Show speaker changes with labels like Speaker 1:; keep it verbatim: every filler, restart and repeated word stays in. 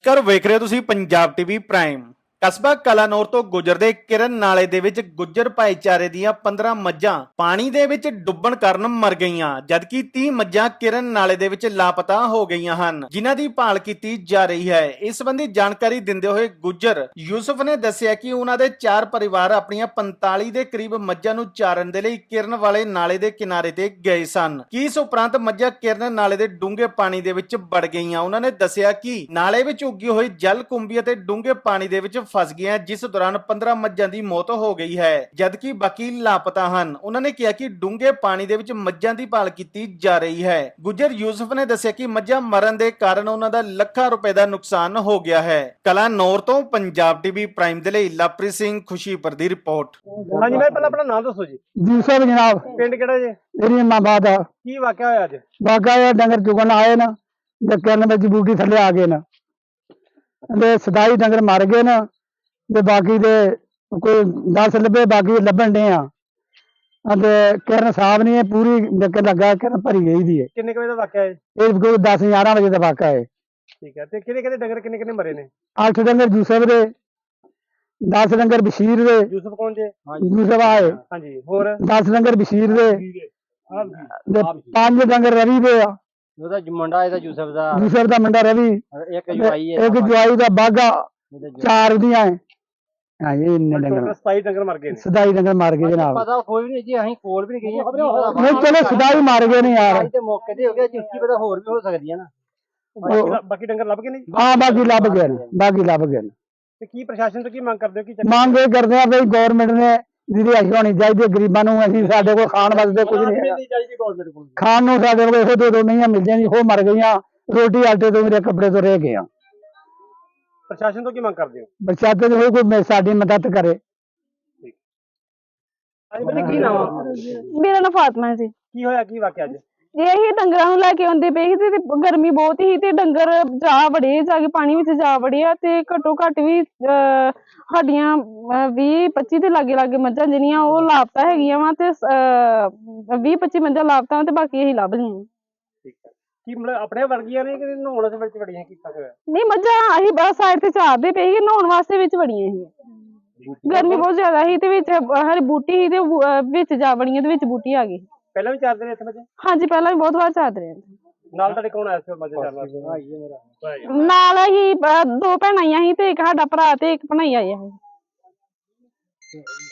Speaker 1: ਕਰ ਵੇਖ ਰਹੇ ਹੋ ਤੁਸੀਂ ਪੰਜਾਬ ਟੀਵੀ ਪ੍ਰਾਈਮ। ਕਸਬਾ ਕਲਾਨੌਰ ਤੋਂ ਗੁਜਰਦੇ ਕਿਰਨ ਨਾਲੇ ਦੇ ਵਿੱਚ ਗੁੱਜਰ ਭਾਈਚਾਰੇ ਦੀਆਂ ਪੰਦਰਾਂ ਮੱਝਾਂ ਪਾਣੀ ਦੇ ਵਿੱਚ ਡੁੱਬਣ ਕਾਰਨ ਮਰ ਗਈਆਂ, ਜਦਕਿ ਤੀਹ ਮੱਝਾਂ ਕਿਰਨ ਨਾਲੇ ਦੇ ਵਿੱਚ ਲਾਪਤਾ ਹੋ ਗਈਆਂ ਹਨ, ਜਿਨ੍ਹਾਂ ਦੀ ਭਾਲ ਕੀਤੀ ਜਾ ਰਹੀ ਹੈ। ਇਸ ਸੰਬੰਧੀ ਜਾਣਕਾਰੀ ਦਿੰਦੇ ਹੋਏ ਗੁੱਜਰ ਯੂਸਫ ਨੇ ਦੱਸਿਆ ਕਿ ਉਹਨਾਂ ਦੇ ਚਾਰ ਪਰਿਵਾਰ ਆਪਣੀਆਂ ਪੰਤਾਲੀ ਦੇ ਕਰੀਬ ਮੱਝਾਂ ਨੂੰ ਚਾਰਨ ਦੇ ਲਈ ਕਿਰਨ ਵਾਲੇ ਨਾਲੇ ਦੇ ਕਿਨਾਰੇ ਤੇ ਗਏ ਸਨ ਕਿ ਇਸ ਉਪਰੰਤ ਮੱਝਾਂ ਕਿਰਨ ਨਾਲੇ ਦੇ ਡੂੰਘੇ ਪਾਣੀ ਦੇ ਵਿੱਚ ਵੜ ਗਈਆਂ। ਉਹਨਾਂ ਨੇ ਦੱਸਿਆ ਕਿ ਨਾਲੇ ਵਿੱਚ ਉੱਗੀ ਹੋਈ ਜਲ ਕੁੰਭੀ ਅਤੇ ਡੂੰਘੇ ਪਾਣੀ ਦੇ ਵਿੱਚ ਫਸ ਗਈਆਂ, ਜਿਸ ਦੌਰਾਨ ਪੰਦਰਾਂ ਮੱਝਾਂ ਦੀ ਮੌਤ ਹੋ ਗਈ ਹੈ, ਜਦਕਿ ਬਾਕੀ ਲਾਪਤਾ ਹਨ। ਉਹਨਾਂ ਨੇ ਕਿਹਾ ਕਿ ਡੂੰਘੇ ਪਾਣੀ ਦੇ ਵਿੱਚ ਮੱਝਾਂ ਦੀ ਭਾਲ ਕੀਤੀ ਜਾ ਰਹੀ ਹੈ। ਗੁੱਜਰ ਯੂਸਫ ਨੇ ਦੱਸਿਆ ਕਿ ਮੱਝਾਂ ਮਰਨ ਦੇ ਕਾਰਨ ਉਹਨਾਂ ਦਾ ਲੱਖਾਂ ਰੁਪਏ ਦਾ ਨੁਕਸਾਨ ਹੋ ਗਿਆ ਹੈ। ਕਲਾਨੌਰ ਤੋਂ ਪੰਜਾਬ ਟੀਵੀ ਪ੍ਰਾਈਮ ਦੇ ਲਈ ਲਵਪ੍ਰੀਤ ਸਿੰਘ ਖੁਸ਼ੀਪੁਰ ਦੀ ਰਿਪੋर्ट।
Speaker 2: ਹਾਂਜੀ ਮੈਂ ਪਹਿਲਾਂ ਆਪਣਾ ਨਾਮ ਦੱਸੋ ਜੀ।
Speaker 3: ਯੂਸਫ ਜਨਾਬ,
Speaker 2: ਪਿੰਡ ਕਿਹੜਾ ਜੀ?
Speaker 3: ਮੇਰੀ ਇਮਾਮਾਬਾਦ ਆ।
Speaker 2: ਕੀ ਵਾਕਿਆ ਹੋਇਆ ਅੱਜ?
Speaker 3: ਬਾਗਾ ਇਹ ਡੰਗਰ ਚੁਗਣ ਆਏ ਨਾ ਤੇ ਕਿਰਨ ਵਿੱਚ ਬੂਟੀ ਥੱਲੇ ਆ ਗਏ ਨਾ ਤੇ ਸਦਾਈ ਡੰਗਰ ਮਰ ਗਏ ਨਾ ਤੇ ਬਾਕੀ ਦੇ ਕੋਈ ਦਸ ਲੱਭੇ, ਬਾਕੀ ਲੱਭਣ ਡੇ ਆ ਤੇ ਕਿਰਨ ਸਾਹਿਬ ਨਹੀਂ ਪੂਰੀ ਡੱਕੇ ਲੱਗਾ, ਕਿਰਨ ਭਰੀ ਗਈ ਦੀ ਹੈ।
Speaker 2: ਕਿੰਨੇ ਕੁ ਵਜੇ ਦਾ ਵਾਕਿਆ ਹੈ?
Speaker 3: ਇਹ ਕੋਈ ਦਸ ਗਿਆਰਾਂ ਵਜੇ ਦਾ ਵਾਕਾ ਹੈ।
Speaker 2: ਠੀਕ ਹੈ, ਤੇ ਕਿਹਦੇ ਕਿਹਦੇ ਡੰਗਰ ਕਿੰਨੇ ਕਿੰਨੇ ਮਰੇ ਨੇ?
Speaker 3: ਅੱਠ ਡੰਗਰ ਯੂਸਫ ਦੇ, ਦਸ ਡੰਗਰ ਬਸ਼ੀਰ ਦੇ।
Speaker 2: ਯੂਸਫ ਕੌਣ ਜੇ?
Speaker 3: ਯੂਸਫ ਆਏ।
Speaker 2: ਹਾਂਜੀ, ਹੋਰ?
Speaker 3: ਦਸ ਡੰਗਰ ਬਸ਼ੀਰ ਦੇ ਤੇ ਪੰਜ ਡੰਗਰ ਰਵੀ ਦੇ ਆ।
Speaker 4: ਉਹਦਾ ਮੁੰਡਾ ਇਹਦਾ ਯੂਸਫ ਦਾ,
Speaker 3: ਯੂਸਫ ਦਾ ਮੁੰਡਾ ਰਵੀ,
Speaker 4: ਇੱਕ ਜਵਾਈ ਹੈ,
Speaker 3: ਇੱਕ ਜਵਾਈ ਦਾ ਬਾਗਾ, ਚਾਰ ਦੀਆਂ ਹੈ। ਹਾਂ ਇਹ ਇੰਨੇ
Speaker 2: ਟੋਟਲ
Speaker 3: ਡੰਗਰ
Speaker 2: ਸਤਾਈ ਡੰਗਰ ਮਰ ਗਏ ਨੇ।
Speaker 3: ਸਦਾਈ ਡੰਗਰ ਮਾਰ ਗਏ ਜਨਾਬ।
Speaker 4: ਪਤਾ ਕੋਈ ਵੀ ਨਹੀਂ ਜੀ, ਅਸੀਂ ਕੋਲ ਵੀ ਨਹੀਂ ਗਏ।
Speaker 3: ਨਹੀਂ ਚਲੋ ਸਦਾਈ ਮਾਰ ਗਏ ਨੇ ਯਾਰ।
Speaker 4: ਤੇ ਮੌਕੇ ਤੇ ਹੋ ਗਿਆ, ਜਿੱਕੀ ਪਤਾ ਹੋਰ ਵੀ ਹੋ ਸਕਦੀ ਹੈ ਨਾ।
Speaker 2: ਬਾਕੀ- ਬਾਕੀ ਡੰਗਰ ਲੱਭ ਗਏ ਨੇ ਜੀ?
Speaker 3: ਹਾਂ ਬਾਕੀ ਲੱਭ ਗਏ ਨੇ, ਬਾਕੀ ਲੱਭ ਗਏ ਨੇ।
Speaker 2: ਤੇ ਕੀ ਪ੍ਰਸ਼ਾਸਨ ਤੋਂ ਕੀ ਮੰਗ ਕਰਦੇ ਹੋ? ਕੀ
Speaker 3: ਮੰਗ ਇਹ ਕਰਦੇ ਆ ਬਈ ਗੌਰਮੈਂਟ ਨੇ ਜਿਹਦੀ ਅਸ਼ੀ ਹੋਣੀ ਚਾਹੀਦੀ ਹੈ ਗਰੀਬਾਂ ਨੂੰ। ਅਸੀਂ ਸਾਡੇ ਕੋਲ ਖਾਣ ਵਾਸਤੇ ਕੁਝ ਨਹੀਂ ਹੈਗਾ,
Speaker 2: ਚਾਹੀਦੀ ਗਵਰਨਮੈਂਟ ਕੋਲ?
Speaker 3: ਖਾਣ ਨੂੰ ਸਾਡੇ ਕੋਲ ਇਹੋ ਦੋ ਦੋ ਮਹੀਆਂ ਮਿਲ ਜਾਂਦੀ, ਉਹ ਮਰ ਗਈਆਂ। ਰੋਟੀ ਆਟੇ ਤੋਂ, ਮੇਰੇ ਕੱਪੜੇ ਤੋਂ ਰਹਿ ਗਏ ਆ।
Speaker 2: ਪ੍ਰਸ਼ਾਸਨ ਤੋਂ ਕੀ ਮੰਗ ਕਰਦੇ ਹੋ?
Speaker 3: ਬਚਾਤੇ ਹੋਏ ਕੋਈ ਸਾਡੀ ਮਦਦ ਕਰੇ।
Speaker 2: ਹਾਂਜੀ ਬੱਚੇ, ਕੀ ਨਾਮ ਆ?
Speaker 5: ਮੇਰਾ ਨਾਮ ਫਾਤਮਾ ਹੈ ਜੀ।
Speaker 2: ਕੀ ਹੋਇਆ, ਕੀ ਵਾਕਿਆ ਅੱਜ?
Speaker 5: ਜੇ ਇਹ ਡੰਗਰਾਂ ਨੂੰ ਲੈ ਕੇ ਆਉਂਦੇ ਪਏ ਸੀ ਤੇ ਗਰਮੀ ਬਹੁਤ ਹੀ ਤੇ ਡੰਗਰ ਜਾ ਵੜੇ, ਜਾ ਕੇ ਪਾਣੀ ਵਿੱਚ ਜਾ ਵੜੇ ਆ ਤੇ ਘੱਟੋ ਘੱਟ ਵੀ ਅਹ ਸਾਡੀਆਂ ਵੀਹ ਪੱਚੀ ਦੇ ਲਾਗੇ ਲਾਗੇ ਮੱਝਾਂ ਜਿਹੜੀਆਂ ਉਹ ਲਾਪਤਾ ਹੈਗੀਆਂ ਵਾ ਤੇ ਵੀਹ ਪੱਚੀ ਮੱਝਾਂ ਲਾਪਤਾ ਤੇ ਬਾਕੀ ਇਹੀ ਲੱਭ ਲਈਆਂ।
Speaker 2: ਠੀਕ ਹੈ, ਕੀ ਮਤਲਬ ਆਪਣੇ ਵਰਗੀਆਂ ਨੇ ਕਿ ਨਹਾਉਣ ਦੇ ਵਿੱਚ ਵੜੀਆਂ? ਕੀਤਾ ਹੋਇਆ
Speaker 5: ਨਹੀਂ, ਮੱਝਾਂ ਅਸੀਂ ਬਸ ਸਾਈਡ ਤੇ ਚਾਰਦੇ ਪਏ ਸੀ, ਨਹਾਉਣ ਵਾਸਤੇ ਵਿੱਚ ਵੜੀਆਂ ਸੀ। ਗਰਮੀ ਬਹੁਤ ਜ਼ਿਆਦਾ ਸੀ ਤੇ ਵਿੱਚ ਹਰ ਬੂਟੀ ਸੀ ਤੇ ਵਿੱਚ ਜਾ ਵੜੀਆਂ ਤੇ ਵਿੱਚ ਬੂਟੀ ਆ ਗਈ।
Speaker 2: ਪਹਿਲਾਂ ਵੀ ਚਾਰਦੇ ਨੇ ਇੱਥੇ ਬੱਚੇ?
Speaker 5: ਹਾਂਜੀ, ਪਹਿਲਾਂ ਵੀ ਬਹੁਤ ਵਾਰ ਚਾਰਦੇ ਰਹੇ।
Speaker 2: ਨਾਲ ਤੁਹਾਡੇ ਕੌਣ ਆਇਆ ਸੀ ਮੱਝਾਂ ਚਾਰਨ ਵਾਸਤੇ?
Speaker 5: ਨਾਲ ਅਸੀਂ ਦੋ ਭੈਣਾਂ ਆਈਆਂ ਸੀ ਤੇ ਇੱਕ ਸਾਡਾ ਭਰਾ ਤੇ ਇੱਕ ਭਣਾਈ ਆਇਆ ਸੀ।